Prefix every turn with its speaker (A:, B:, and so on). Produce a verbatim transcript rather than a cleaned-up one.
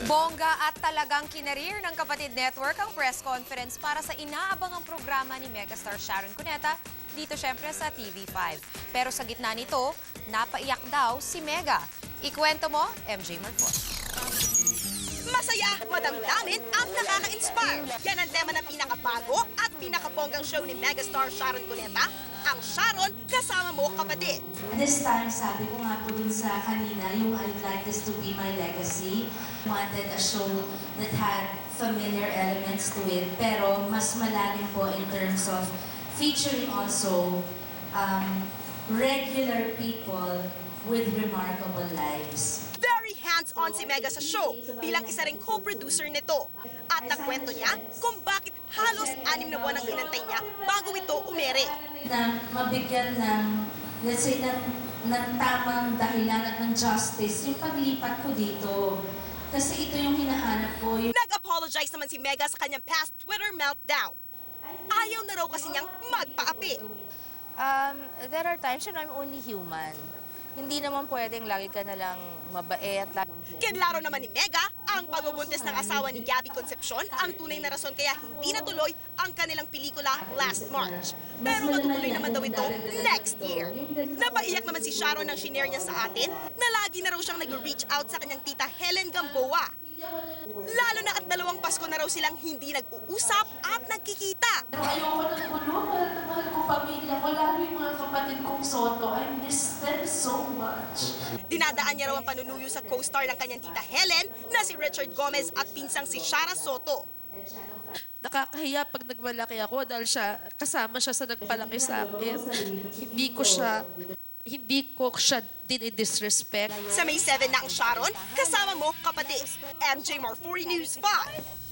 A: Bongga at talagang kinarir ng Kapatid Network ang press conference para sa inaabangang programa ni megastar Sharon Cuneta dito syempre sa T V five. Pero sa gitna nito, napaiyak daw si Mega. Ikwento mo, M J Marfon.
B: Masaya, madamdamin at nakaka-inspire. Yan ang tema ng pinakabago at pinakabonggang show ni megastar Sharon Cuneta, ang Sharon Kasama Mo Kapatid.
C: This time, sabi ko nga po dun sa kanina, yung I'd like this to be my legacy. Wanted a show that had familiar elements to it, pero mas malalim po in terms of featuring also um, regular people with remarkable lives.
B: Very hands-on si Mega sa show bilang isa ring co-producer nito. At nagkwento niya kung bakit halos anim na buwan ang pinantay niya bago ito umere.
C: Na mabigyan ng, let's say, ng, ng tamang dahilan at ng justice yung paglipat ko dito. Kasi ito yung hinahanap ko. Yung...
B: Nag-apologize naman si Mega sa kanyang past Twitter meltdown. Ayaw na raw kasi niyang magpaapi.
D: Um, there are times when I'm only human. Hindi naman pwedeng lagi ka na lang mabait.
B: Kinlaro naman ni Mega ang pagbubuntis ng asawa ni Gabby Concepcion ang tunay na rason kaya hindi natuloy ang kanilang pelikula last March. Pero matutuloy naman daw ito next year. Napaiyak naman si Sharon nang shinare niya sa atin na lagi na raw siyang nag-reach out sa kanyang tita Helen Gamboa. Lalo na at dalawang Pasko na raw silang hindi nag-uusap at nagkikita.
C: Ayoko ng gulo, mahal na mahal ko pamilya ko, lalo yung mga kapatid kong Soto. I miss them so much.
B: Dinadaan niya raw ang panunuyo sa co-star ng kanyang tita Helen na si Richard Gomez at pinsang si Shara Soto.
E: Nakakahiya pag nagmalaki ako dahil siya, kasama siya sa nagpalaki sa akin. Hindi ko siya, hindi ko siya dinidisrespect.
B: Sa May seven na ang Sharon, kasama mo kapatid. M J Marfori News five.